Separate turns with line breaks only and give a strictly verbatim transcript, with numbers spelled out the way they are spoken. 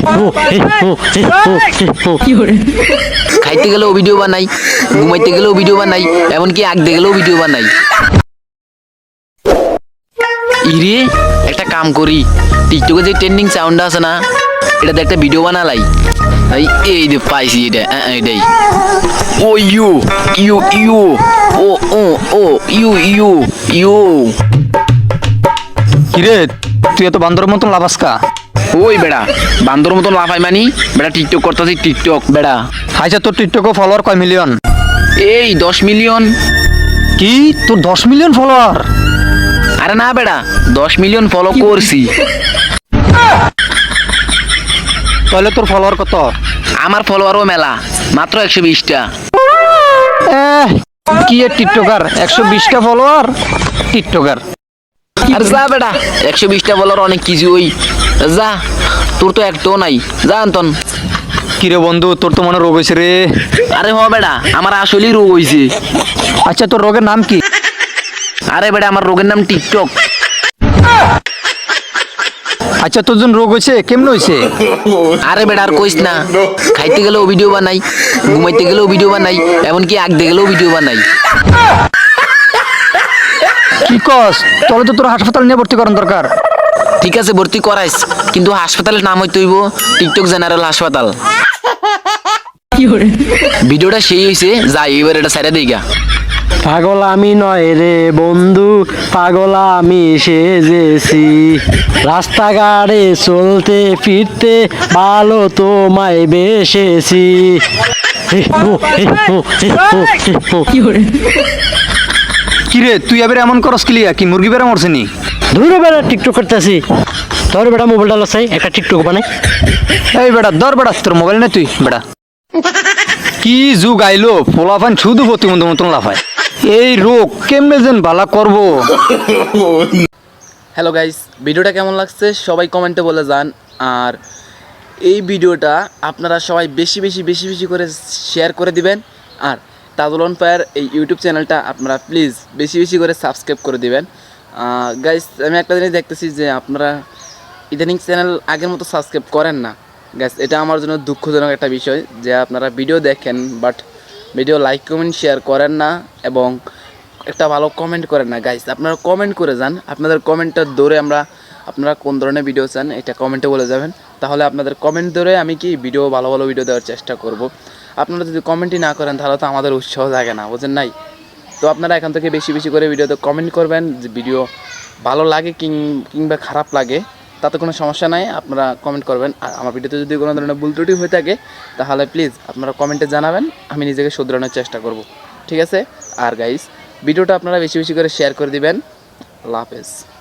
খাইতে গেলেও ভিডিও বানাই, ঘুমাইতে গেলেও ভিডিও বানাই, এমনকি আঁকতে গেলেও ভিডিও বানাই। ইরে একটা কাম করি, টিকটকে যে ট্রেন্ডিং সাউন্ড আছে না, এটাতে একটা ভিডিও বানালাই। এই এই যে পাইছি, এটা এটাই। ও ইউ ইউ ইউ ও ও ও ইউ ইউ ইউ।
কিরে তুই এত বান্দরের মতন লাফাস কা?
ওই বেড়া বান্দর মতন লাফাই মানি বেড়া, টিকটক করতেছি টিকটক বেড়া।
আচ্ছা তোর টিকটকে ফলোয়ার কয় মিলিয়ন?
এই দশ মিলিয়ন।
কি তোর দশ মিলিয়ন ফলোয়ার?
আরে না বেড়া, দশ মিলিয়ন ফলো করছি।
তাহলে তোর ফলোয়ার কত?
আমার ফলোয়ারও মেলা, মাত্র একশো বিশটা।
কি এর টিকটকার, একশো বিশটা ফলোয়ার টিকটকার?
আর যা বেড়া, একশো বিশটা ফলোয়ার অনেক কিছু। ওই যা, তোর তো একটাও নাই, যা আন্তন।
কিরে বন্ধু তোর তো মনে রোগ হয়েছে রে?
আরে হ বেড়া, আমার আসলেই রোগ হয়েছে।
আচ্ছা তোর রোগের নাম কি?
আরে বেড়া আমার রোগের নাম টিকটক।
আচ্ছা তোর যখন রোগ হয়েছে কেমন হয়েছে?
আরে বেড়া আর কইস না, খাইতে গেলেও ভিডিও বানাই, ঘুমাইতে গেলেও ভিডিও বানাই, এমনকি আঁকতে গেলেও ভিডিও বানাই।
কি কস? তাহলে তো তোর হাসপাতাল নিয়ে ভর্তি করার দরকার।
ঠিক আছে ভর্তি করাইস, কিন্তু হাসপাতালের নাম হইতে হইব টিকটক জেনারেল হাসপাতাল। ভিডিওটা সেই হয়েছে, যাই এবার এটা সাইডে দিই।
পাগল আমি নয় রে বন্ধু, পাগল আমি সেজেছি, রাস্তাঘাটে চলতে ফিরতে ভালো তোমায় বেসেছি।
কিরে তুই এবার এমন করস কিলিয়া, কি মুরগি বেড়া মরছে নি?
ধুরো বেড়া টিকটক করতেছি, তোর বেড়া মোবাইলটা লসাই একটা টিকটক বানাই।
এই বেড়া ধর বেড়া, তোর মোবাইল নেই তুই বেড়া। কি যুগ আইলো, পোলাপান শুধু প্রতিবন্ধ মতন লাফায়। এই রোগ কেমনে যেন ভালা করবো।
হ্যালো গাইস, ভিডিওটা কেমন লাগছে সবাই কমেন্টে বলে যান। আর এই ভিডিওটা আপনারা সবাই বেশি বেশি বেশি বেশি করে শেয়ার করে দিবেন। আর তাজুল অন ফায়ার এই ইউটিউব চ্যানেলটা আপনারা প্লিজ বেশি বেশি করে সাবস্ক্রাইব করে দিবেন। গাইস আমি একটা জিনিস দেখতেছি যে আপনারা ইদানিং চ্যানেল আগের মতো সাবস্ক্রাইব করেন না। গাইস এটা আমার জন্য দুঃখজনক একটা বিষয় যে আপনারা ভিডিও দেখেন but video like comment share করেন না এবং একটা ভালো কমেন্ট করেন না। গাইস আপনারা কমেন্ট করে যান, আপনাদের কমেন্টটা ধরে আমরা আপনারা কোন ধরনের ভিডিও চান এটা কমেন্টে বলে যাবেন, তাহলে আপনাদের কমেন্ট ধরে আমি কি ভিডিও ভালো ভালো ভিডিও দেওয়ার চেষ্টা করব। আপনারা যদি কমেন্টই না করেন তাহলে তো আমাদের উৎসাহ জাগে না, বুঝেন নাই? তো আপনারা এখান থেকে বেশি বেশি করে ভিডিওতে কমেন্ট করবেন, যে ভিডিও ভালো লাগে কিংবা খারাপ লাগে তাতে কোনো সমস্যা নাই, আপনারা কমেন্ট করবেন। আর আমার ভিডিওতে যদি কোনো ধরনের ভুল ত্রুটি হয়ে থাকে তাহলে প্লিজ আপনারা কমেন্টে জানাবেন, আমি নিজেকে শুধরানোর চেষ্টা করব, ঠিক আছে? আর গাইস ভিডিওটা আপনারা বেশি বেশি করে শেয়ার করে দিবেন। আল্লাহ হাফেজ।